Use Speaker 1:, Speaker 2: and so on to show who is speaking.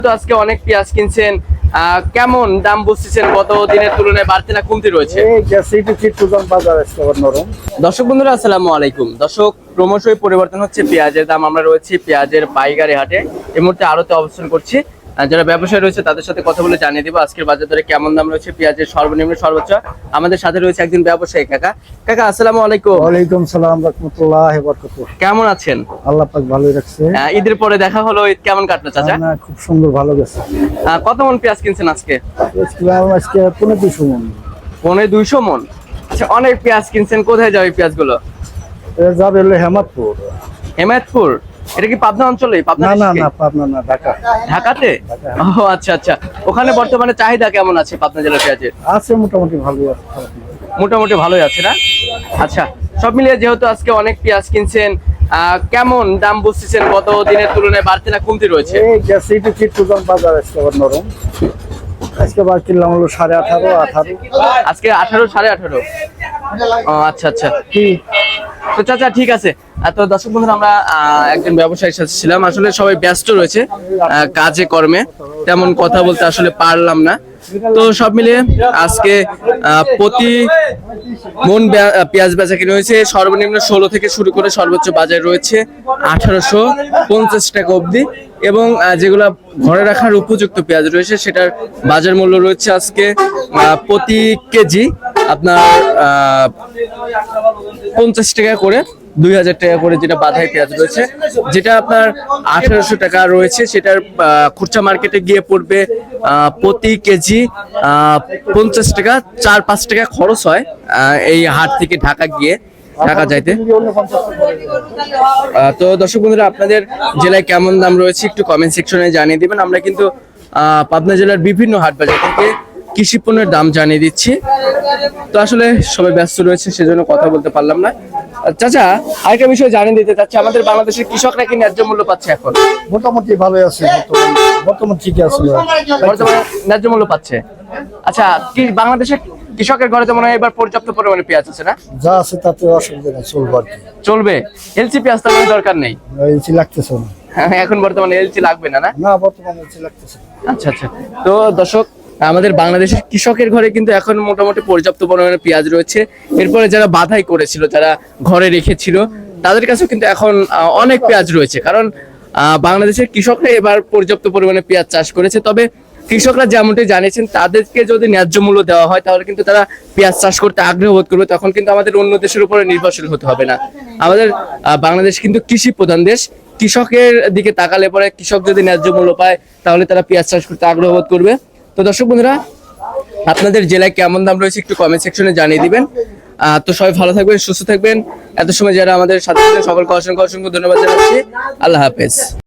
Speaker 1: তো আজকে অনেক পেঁয়াজ কিনছেন, কেমন দাম বুঝতেছেন? গত দিনের তুলনায় বাড়তি না কমতি রয়েছে? দর্শক বন্ধুরা আসসালামু আলাইকুম। দর্শক, ক্রমশই পরিবর্তন হচ্ছে পেঁয়াজের দাম। আমরা রয়েছি পেঁয়াজের পাইকারি হাটে, এই মুহূর্তে আড়তে অবস্থান করছি। যারা ব্যবসায়ী রয়েছে তাদের সাথে কথা বলে জানিয়ে দিব আজকের বাজার দরে কেমন দাম রয়েছে পেঁয়াজের সর্বনিম্ন সর্বোচ্চ। আমাদের সাথে রয়েছে একজন ব্যবসায়ী কাকা। কাকা আসসালামু আলাইকুম।
Speaker 2: ওয়ালাইকুম সালাম রাহমাতুল্লাহি ওয়া বারাকাতুহু।
Speaker 1: কেমন আছেন?
Speaker 2: আল্লাহ পাক ভালোই রাখছে।
Speaker 1: ঈদের পরে দেখা হলো, ঈদ কেমন কাটলো চাচা?
Speaker 2: খুব সুন্দর, ভালো গেছে।
Speaker 1: কত মন পেঁয়াজ কিনছেন আজকে?
Speaker 2: আজকে 250 মণ।
Speaker 1: 250 মণ? আচ্ছা, অনেক পেঁয়াজ কিনছেন। কোথায় যাবে পেঁয়াজগুলো?
Speaker 2: যাবে হলো হেমাদপুর।
Speaker 1: হেমাদপুর? এটা কি পাবনা অঞ্চলে?
Speaker 2: না না না, পাবনা না, ঢাকা।
Speaker 1: ঢাকাতে? ও আচ্ছা আচ্ছা। ওখানে বর্তমানে চাহিদা কেমন আছে পাবনা জেলার পেঁয়াজের?
Speaker 2: আছে মোটামুটি ভালোই আছে।
Speaker 1: মোটামুটি ভালোই আছে না? আচ্ছা, সব মিলিয়ে যেহেতু আজকে অনেক পেঁয়াজ কিনছেন, কেমন দাম বুঝতেছেন? গত দিনের তুলনায় বাড়তি না কমতি রয়েছে?
Speaker 2: এই গেছে একটু চিত্তজন বাজার আজকে আবার নরম। আজকে বার কিনলাম হলো 18.5
Speaker 1: আজকে 18 18.5। ও আচ্ছা আচ্ছা। তো চাচা ঠিক আছে। তো দর্শক বন্ধুরা, আমরা একজন ব্যবসায়ীর সাথে ছিলাম। আসলে সবাই ব্যস্ত রয়েছে কাজে কর্মে, তেমন কথা বলতে আসলে পারলাম না। তো সব মিলিয়ে আজকে প্রতি মন পেঁয়াজ বেচা কিনে হয়েছে সর্বনিম্ন 16 থেকে শুরু করে সর্বোচ্চ বাজার রয়েছে 1850 টাকা অবধি, এবং যেগুলা ঘরে রাখার উপযুক্ত পেঁয়াজ রয়েছে সেটার বাজার মূল্য রয়েছে আজকে প্রতি কেজি আপনার 50 টাকা করে, 2000 টাকা করে যেটা বাধাই পেঁয়াজ রয়েছে, যেটা আপনার 1800 টাকা রয়েছে সেটার খুচরা মার্কেটে গিয়ে পড়বে প্রতি কেজি 50 টাকা। 4-5 টাকা খরচ হয় এই হাট থেকে ঢাকা গিয়ে, ঢাকা যাইতে। তো দর্শক বন্ধুরা, আপনাদের জেলায় কেমন দাম রয়েছে একটু কমেন্ট সেকশনে জানিয়ে দিবেন। আমরা কিন্তু পাবনা জেলার বিভিন্ন হাট বাজার থেকে কৃষি পণ্যের দাম জানিয়ে দিচ্ছি। তো আসলে সবাই ব্যস্ত রয়েছে, সেজন্য কথা বলতে পারলাম না। চাচা, আরেকটা বিষয় জানিয়ে দিতে চাচ্ছি, আমাদের বাংলাদেশের কৃষকরা কি ন্যায্য মূল্য পাচ্ছে এখন?
Speaker 2: মোটামুটি ভালো আছে, বর্তমান ঠিকই আছে,
Speaker 1: বর্তমানে ন্যায্য মূল্য পাচ্ছে। আচ্ছা, কি বাংলাদেশের কৃষকের ঘরে তো মনে হয় এবার পর্যাপ্ত পরিমাণে পেঁয়াজ আছে না?
Speaker 2: যা আছে তাতে অসুবিধা নেই, চলবে আর কি।
Speaker 1: চলবে? এলসি পেঁয়াজ তো দরকার নেই
Speaker 2: এলসি লাগতেছে না
Speaker 1: এখন বর্তমানে। এলসি লাগবে না?
Speaker 2: না, বর্তমানে এলসি লাগতেছে।
Speaker 1: আচ্ছা আচ্ছা। তো দর্শক, আমাদের বাংলাদেশের কৃষকের ঘরে কিন্তু এখন মোটামুটি পর্যাপ্ত পরিমাণে পেঁয়াজ রয়েছে। এরপরে যারা বাধাই করেছিল, যারা ঘরে রেখেছিল, তাদের কাছেও কিন্তু এখন অনেক পেঁয়াজ রয়েছে, কারণ বাংলাদেশের কৃষকরা এবার পর্যাপ্ত পরিমাণে পেঁয়াজ চাষ করেছে। তবে কৃষকরা যেমনটি জানিয়েছেন, তাদেরকে যদি ন্যায্য মূল্য দেওয়া হয় তাহলে কিন্তু তারা পেঁয়াজ চাষ করতে আগ্রহ বোধ করবে। তখন কিন্তু আমাদের অন্য দেশের উপরে নির্ভরশীল হতে হবে না। আমাদের বাংলাদেশ কিন্তু কৃষি প্রধান দেশ। কৃষকের দিকে তাকালে পরে কৃষক যদি ন্যায্য মূল্য পায় তাহলে তারা পেঁয়াজ চাষ করতে আগ্রহ বোধ করবে। তো দর্শক বন্ধুরা, আপনাদের জেলায় কেমন দাম রয়েছে একটু কমেন্ট সেকশনে জানিয়ে দিবেন। তো সবাই ভালো থাকবেন, সুস্থ থাকবেন। এত সময় যারা আমাদের সাথে ছিলেন সকলকে অসংখ্য অসংখ্য ধন্যবাদ জানাচ্ছি। আল্লাহ হাফেজ।